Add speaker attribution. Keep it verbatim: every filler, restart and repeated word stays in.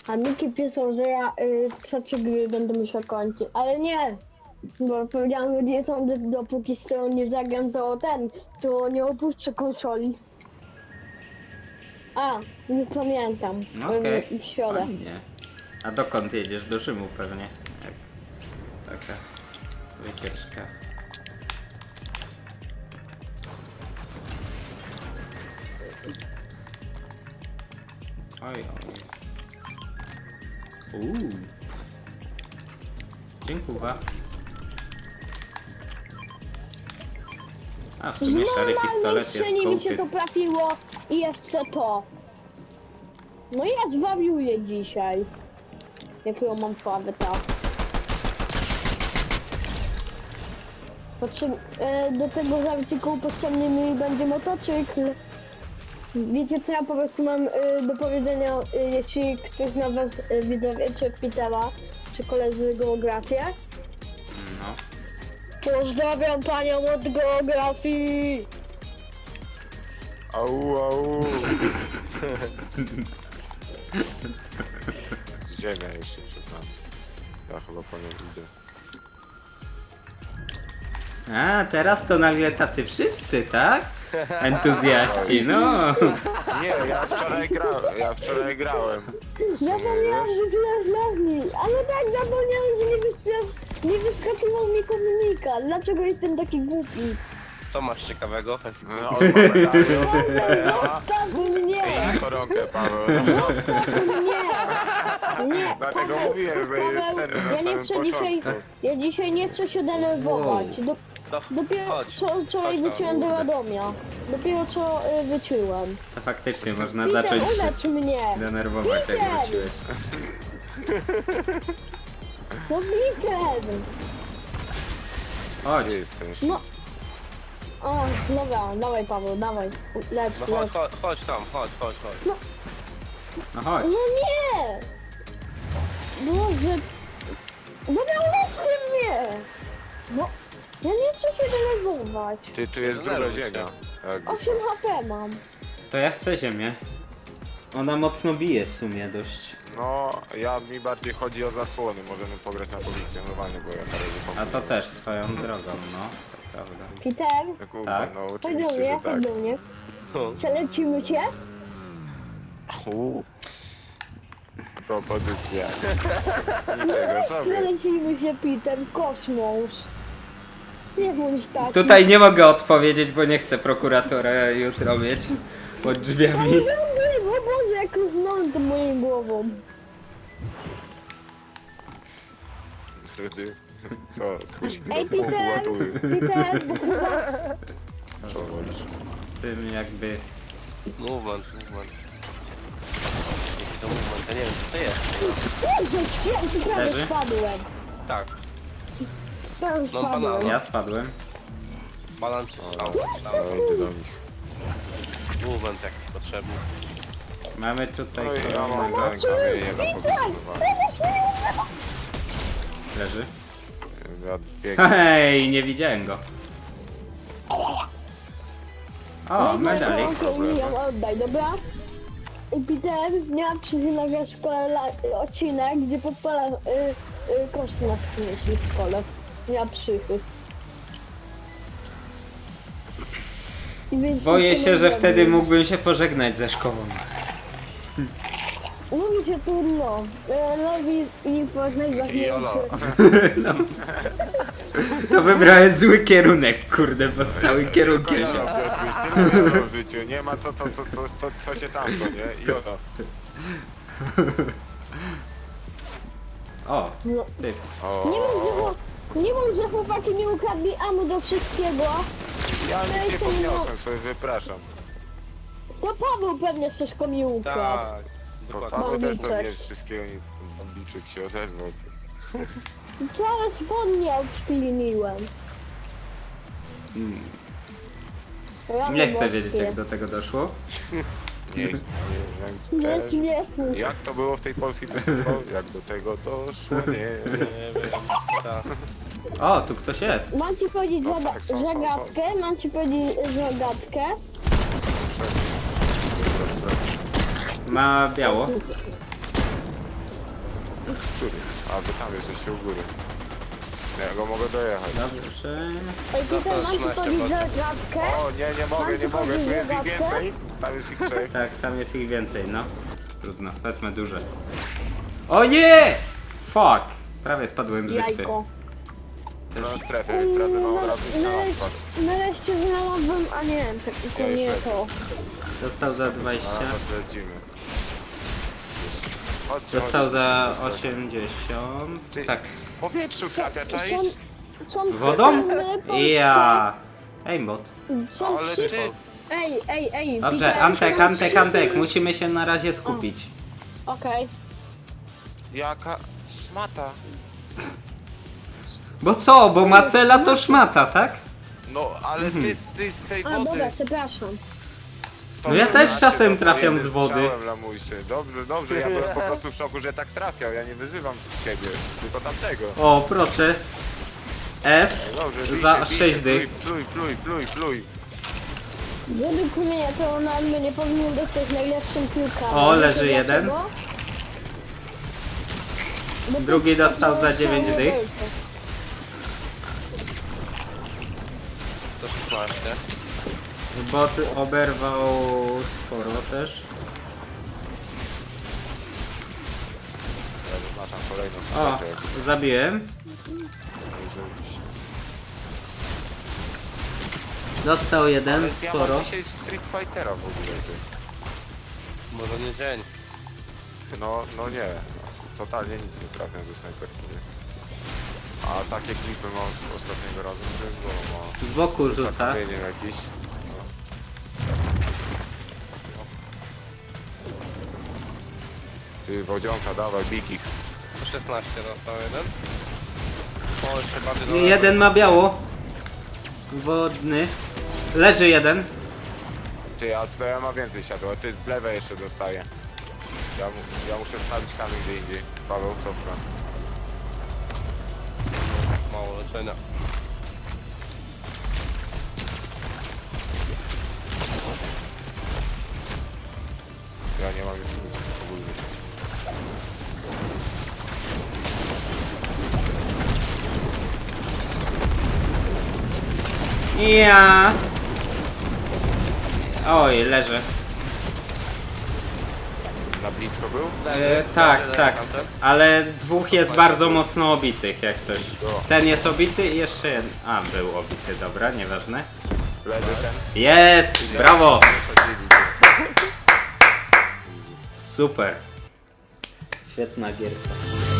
Speaker 1: A Miki pisał, że ja y, trzecie gry będę musiał kończyć, ale nie! Bo powiedziałem, że nie sądzę, dopóki z tego nie zagram, to ten, to nie opuszczę konsoli. A, nie pamiętam.
Speaker 2: No okej,
Speaker 1: Okay. W środę.
Speaker 2: fajnie. A dokąd jedziesz? Do Rzymu pewnie. Jak taka wycieczka. Oj, oj. Uuu. Dziękuję. A w sumie szary pistolet jest
Speaker 1: Normalnie mi się to
Speaker 2: kołty.
Speaker 1: trafiło i jeszcze to. No ja zwariuję dzisiaj. Jakiego mam słaby tak. Potrzeb... E, do tego zawieciku potrzebny mi będzie motocykl. Wiecie co ja po prostu mam e, do powiedzenia, e, jeśli ktoś z was e, widzowie, czy Petera, czy koledzy geografię.
Speaker 2: No.
Speaker 1: Pozdrawiam panią od geografii!
Speaker 3: Au, au. Ziemia jeszcze przed nami. Ja chyba po nią idę.
Speaker 2: A, teraz to nagle tacy wszyscy, tak? Entuzjaści, no.
Speaker 3: Nie, ja wczoraj grałem, ja wczoraj grałem. W sumie,
Speaker 1: Zapomniałam,
Speaker 3: wiesz?
Speaker 1: że źle znawni, ale tak zapomniałam, że nie, wystra- nie wyskakiwał mi komunika. Dlaczego jestem taki głupi?
Speaker 4: Co masz ciekawego?
Speaker 3: No, on ma medalion.
Speaker 1: Zostaw mnie!
Speaker 3: Na koronkę, Paweł.
Speaker 1: Zostaw mnie! Nie,
Speaker 3: Dlatego
Speaker 1: Paweł,
Speaker 3: mówiłem, że jest
Speaker 1: Paweł,
Speaker 3: cenny na
Speaker 1: ja nie
Speaker 3: samym
Speaker 1: chcę dzisiaj,
Speaker 3: początku.
Speaker 1: ja dzisiaj nie chcę się denerwować. Do,
Speaker 4: No,
Speaker 1: dopiero
Speaker 4: chodź.
Speaker 1: co, wczoraj
Speaker 4: Chodź tam,
Speaker 1: wróciłem do
Speaker 2: kurde.
Speaker 1: Radomia. Dopiero co y, wyczułem.
Speaker 2: To faktycznie można
Speaker 1: Peter,
Speaker 2: zacząć się
Speaker 1: ulecz mnie!
Speaker 2: denerwować, jak
Speaker 1: Peter!
Speaker 2: wróciłeś.
Speaker 1: No Peter!
Speaker 2: Chodź.
Speaker 3: Gdzie jest ten
Speaker 1: No. O, dobra, dawaj Paweł, dawaj. Lecz,
Speaker 4: No chodź,
Speaker 1: lecz.
Speaker 4: chodź, chodź tam, chodź, chodź, chodź.
Speaker 2: No chodź.
Speaker 1: No nie! Boże! Dobra, leczcie mnie! No, ja nie chcę się denerwować.
Speaker 3: Ty, tu jest druga ziemia. Jakby.
Speaker 1: osiem HP mam.
Speaker 2: To ja chcę ziemię. Ona mocno bije w sumie dość.
Speaker 3: No, ja mi bardziej chodzi o zasłony. Możemy pograć na pozycjonowanie, bo ja na razie
Speaker 2: A
Speaker 3: pomogę.
Speaker 2: to też swoją drogą, no. To prawda.
Speaker 1: Peter,
Speaker 3: Kurwa,
Speaker 2: Tak?
Speaker 3: no
Speaker 1: chodź do
Speaker 3: oczywiście,
Speaker 1: mnie,
Speaker 3: że
Speaker 1: chodź
Speaker 3: tak.
Speaker 1: do mnie.
Speaker 4: No.
Speaker 1: Przelecimy się?
Speaker 3: U. Propozycja. Niczego sobie.
Speaker 1: Przelecimy się, Peter, w kosmos. Nie bądź taki.
Speaker 2: Tutaj nie mogę odpowiedzieć, bo nie chcę prokuratora jutro mieć pod
Speaker 1: Ale
Speaker 2: drzwiami.
Speaker 1: dobry, o Boże, jak różnąłem to moją głową.
Speaker 3: Wtedy. Co, spuścić
Speaker 1: Ej,
Speaker 3: do pół
Speaker 1: Peter!
Speaker 3: łatuły.
Speaker 1: Peter, bo chyba...
Speaker 3: Co wolisz?
Speaker 2: Tym jakby...
Speaker 4: Movement, movement. Jaki to movement? Ja nie wiem, co to jest.
Speaker 1: Jezu, święty, prawie
Speaker 2: Leży?
Speaker 1: spadłem.
Speaker 4: Tak,
Speaker 1: Prawie
Speaker 4: No,
Speaker 1: spadłem.
Speaker 4: banana.
Speaker 2: Ja spadłem.
Speaker 4: balan czy strzał, strzał.
Speaker 3: Ja idę do nich.
Speaker 4: Movement jakiś potrzebny.
Speaker 2: Mamy tutaj
Speaker 3: Oj, ja mam
Speaker 2: kolejnego.
Speaker 3: ten kamienie na pozycjonowanie.
Speaker 2: Leży.
Speaker 3: Ja biegnę.
Speaker 2: Hej, nie widziałem go. O,
Speaker 1: No i
Speaker 2: medalik.
Speaker 1: proszę, okej, ją oddaj, dobra? I Peter, miałam przyznawiać w szkole la- odcinek, gdzie podpala y, y, kości na przynieśli w szkole. Ja przychy. I więc
Speaker 2: Boję
Speaker 1: się
Speaker 2: się, że
Speaker 1: nie
Speaker 2: wtedy
Speaker 1: zrobię.
Speaker 2: mógłbym się pożegnać ze szkołą.
Speaker 1: Mówi się trudno. E, Robi i poznać
Speaker 3: I jolo.
Speaker 2: To wybrałem zły kierunek, kurde, bo z całym
Speaker 3: Tylko
Speaker 2: kierunkiem
Speaker 3: jolo,
Speaker 2: się...
Speaker 3: Piotruś, tyle jolo w życiu. Nie ma co, co, co, co, co, co się tam, to nie? Jolo.
Speaker 2: O,
Speaker 1: No.
Speaker 2: ty.
Speaker 3: O,
Speaker 1: Nie mów, że, chłop- nie mów, że chłopaki nie ukradli amu do wszystkiego.
Speaker 3: ja nic nie
Speaker 1: jeszcze nie
Speaker 3: podniosłem, sobie wypraszam.
Speaker 1: To Paweł pewnie wszystko mi ukradł.
Speaker 4: Tak,
Speaker 3: Bo
Speaker 4: dokładnie.
Speaker 3: Paweł też
Speaker 1: Bambiczek.
Speaker 3: pewnie wszystkiego nie Bambiczek się odezwał.
Speaker 1: Cały spodnie odśliniłem. Rany
Speaker 2: Nie chcę
Speaker 1: morskie.
Speaker 2: wiedzieć, jak do tego doszło.
Speaker 3: Nie, nie,
Speaker 1: Nie
Speaker 3: jak,
Speaker 1: śmieszny.
Speaker 3: jak to było w tej polskiej piosence? Jak do tego doszło? Nie wiem.
Speaker 4: Nie wiem, tak.
Speaker 2: O, tu ktoś jest.
Speaker 1: Mam ci powiedzieć
Speaker 3: No
Speaker 1: zada-
Speaker 3: tak, są, są,
Speaker 1: zagadkę, mam ci powiedzieć zagadkę.
Speaker 2: Ma biało.
Speaker 3: Który? A, wy tam jesteście u góry. Nie, ja go mogę dojechać.
Speaker 2: Dobrze.
Speaker 1: Ej, Peter, mam tu
Speaker 4: trzynaście
Speaker 1: powiedzieć
Speaker 4: botów.
Speaker 1: gadkę?
Speaker 3: O, nie, nie mogę, nie mogę, tu jest ich więcej. Tam jest ich trzech.
Speaker 2: Tak, tam jest ich więcej, no. Trudno, wezmę duże. O nie! Fuck! Prawie spadłem z wyspy.
Speaker 1: Jajko.
Speaker 3: Na strefę, więc stracę na od razu i na
Speaker 1: Nareszcie,
Speaker 3: odpad.
Speaker 1: nareszcie znalazłem, a nie, tak, to
Speaker 3: Ja
Speaker 1: nie
Speaker 3: już
Speaker 1: to.
Speaker 2: Dostał za
Speaker 3: Na
Speaker 2: dwadzieścia.
Speaker 3: nas lecimy. Chodźcie,
Speaker 2: Dostał
Speaker 3: chodźcie,
Speaker 2: za
Speaker 3: chodźcie.
Speaker 2: osiemdziesiąt.
Speaker 3: Ty-
Speaker 2: Tak.
Speaker 3: W powietrzu trafia,
Speaker 1: Co
Speaker 3: czaisz?
Speaker 1: on- co on
Speaker 2: Wodą?
Speaker 1: chce?
Speaker 2: Ja. Aimbot.
Speaker 1: Co on
Speaker 3: Ale
Speaker 1: chce?
Speaker 3: ty...
Speaker 1: Ej, ej, ej.
Speaker 2: Dobrze,
Speaker 1: Peter,
Speaker 2: Antek,
Speaker 1: co on
Speaker 2: Antek,
Speaker 1: chce?
Speaker 2: Antek. Musimy się na razie skupić.
Speaker 1: Okej.
Speaker 3: Jaka szmata.
Speaker 2: Bo co? Bo macela to szmata, tak?
Speaker 3: No, ale ty, z- ty z tej
Speaker 1: A, dobra,
Speaker 3: wody...
Speaker 1: przepraszam.
Speaker 2: No ja też czasem trafiam z wody.
Speaker 3: Strzałem, lamusie. Dobrze, dobrze, ja byłem po prostu w szoku, że tak trafiał. Ja nie wyzywam ciebie, tylko tamtego.
Speaker 2: O, proszę. S
Speaker 3: Dobrze, bij
Speaker 2: za
Speaker 3: się, bij
Speaker 2: sześć
Speaker 3: się,
Speaker 2: dych.
Speaker 3: Pluj, pluj, pluj, pluj.
Speaker 1: Według mnie to Ronaldo nie powinien dostać najlepszym piłkarzem.
Speaker 2: O, leży
Speaker 1: Wiecie
Speaker 2: jeden.
Speaker 1: dlaczego? Bo to
Speaker 2: Drugi
Speaker 1: jest
Speaker 2: dostał za
Speaker 1: takie
Speaker 2: dziewięć
Speaker 1: samo
Speaker 2: dych.
Speaker 1: wielce.
Speaker 4: To szesnaście.
Speaker 2: Bot oberwał sporo też.
Speaker 3: Ja zaznaczam kolejną
Speaker 2: O,
Speaker 3: strefę.
Speaker 2: zabiłem. Dostał jeden,
Speaker 3: Ale ja
Speaker 2: sporo.
Speaker 3: mam dzisiaj Street Fightera w ogóle, ty.
Speaker 4: Może nie dzień.
Speaker 3: No, no nie. Totalnie nic nie trafiam ze snajperki. nie? A takie klipy mam z ostatniego razu, to jest było mało.
Speaker 2: Z boku rzuca.
Speaker 3: Zakopieniem jakiś. No. Ty, wodzionka, dawaj, bik ich.
Speaker 4: To szesnaście dostał jeden. O, jeszcze bardziej do lewej.
Speaker 2: Jeden ma biało. Wodny. Leży jeden.
Speaker 3: Ty, a z B ma więcej siadło, a ty z lewej jeszcze dostaje. Ja, mu, ja muszę stawić kamień gdzie indziej. Paweł, cofka.
Speaker 4: Mało leczenia.
Speaker 3: Ja nie mam już nic ogólnie.
Speaker 2: Ja. Oj, leży.
Speaker 3: Na blisko był?
Speaker 2: E, tak, tak. Ale dwóch jest bardzo mocno obitych, jak coś. Ten jest obity i jeszcze jeden. A, był obity, dobra, nieważne.
Speaker 3: Leży ten.
Speaker 2: Jest! Brawo!
Speaker 3: Wysadzili.
Speaker 2: Super. Świetna gierka.